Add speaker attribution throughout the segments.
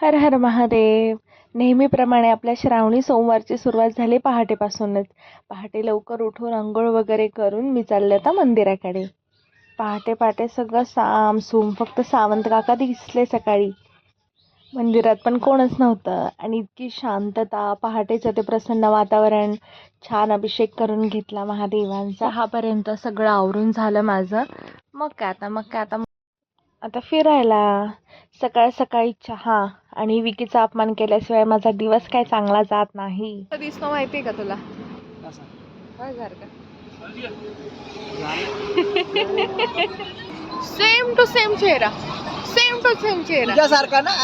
Speaker 1: हर हर महादेव. नेहमीप्रमाणे आपल्या श्रावणी सोमवारची सुरुवात झाली पहाटेपासूनच. पहाटे लवकर उठून अंघोळ वगैरे करून मी चालले आता मंदिराकडे. पहाटे पहाटे सगळं सामसूम, फक्त सावंत काका दिसले सकाळी. मंदिरात पण कोणच नव्हतं आणि इतकी शांतता. पहाटेचं ते प्रसन्न वातावरण. छान अभिषेक करून घेतला महादेवांचा. 6पर्यंत सगळं आवरून झालं माझं. मग काय आता आता फिरायला. सकाळ सकाळी चहा आणि विकीचा अपमान केल्याशिवाय माझा दिवस काय चांगला जात नाही. दिसतो माहितीये का तुला? सेम टू सेम चेहरा, सेम टू सेम चेहरा
Speaker 2: तुझ्यासारखा ना.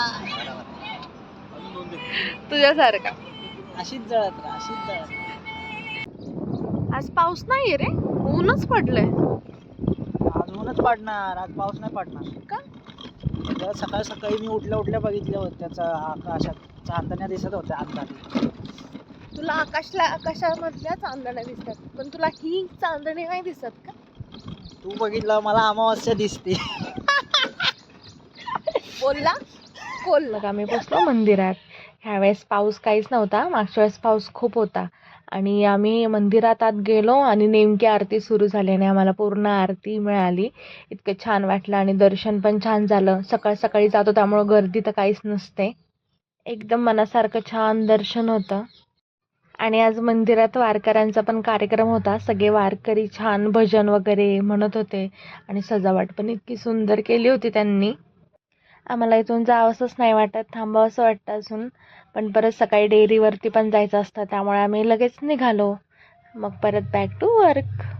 Speaker 1: तुझ्यासारखा.
Speaker 2: अशीच जळत राहा.
Speaker 1: आज पाऊस नाहीये रे, ऊनच पडलंय.
Speaker 2: आज ऊनच पडणार, आज पाऊस नाही पडणार
Speaker 1: का?
Speaker 2: सकाळी सकाळी मी उठल्या बघितल्या होत्या आकाशात चांदण्या दिसत होत्या अंधारी.
Speaker 1: तुला आकाशामधल्या चांदण्या दिसतात, पण तुला ही चांदणी नाही दिसत का?
Speaker 2: तू बघितलं, मला अमावस्या दिसते.
Speaker 1: बोलला आम्ही पोचलो मंदिरात. ह्यावेळेस पाऊस काहीच नव्हता, मागच्या वेळेस पाऊस खूप होता. आणि आम्ही मंदिरात आत गेलो आणि नेमकी आरती सुरू झाली आणि आम्हाला पूर्ण आरती मिळाली. इतकं छान वाटलं आणि दर्शन पण छान झालं. सकाळी जातो त्यामुळं गर्दी तर काहीच नसते. एकदम मनासारखं छान दर्शन होतं. आणि आज मंदिरात वारकऱ्यांचा पण कार्यक्रम होता. सगळे वारकरी छान भजन वगैरे म्हणत होते आणि सजावट पण इतकी सुंदर केली होती त्यांनी. आम्हाला इथून जावंसंच नाही वाटत, थांबावंसं वाटतं अजून. पण परत सकाळी डेअरीवरती पण जायचं असतं, त्यामुळे आम्ही लगेच निघालो. मग परत बॅक टू वर्क.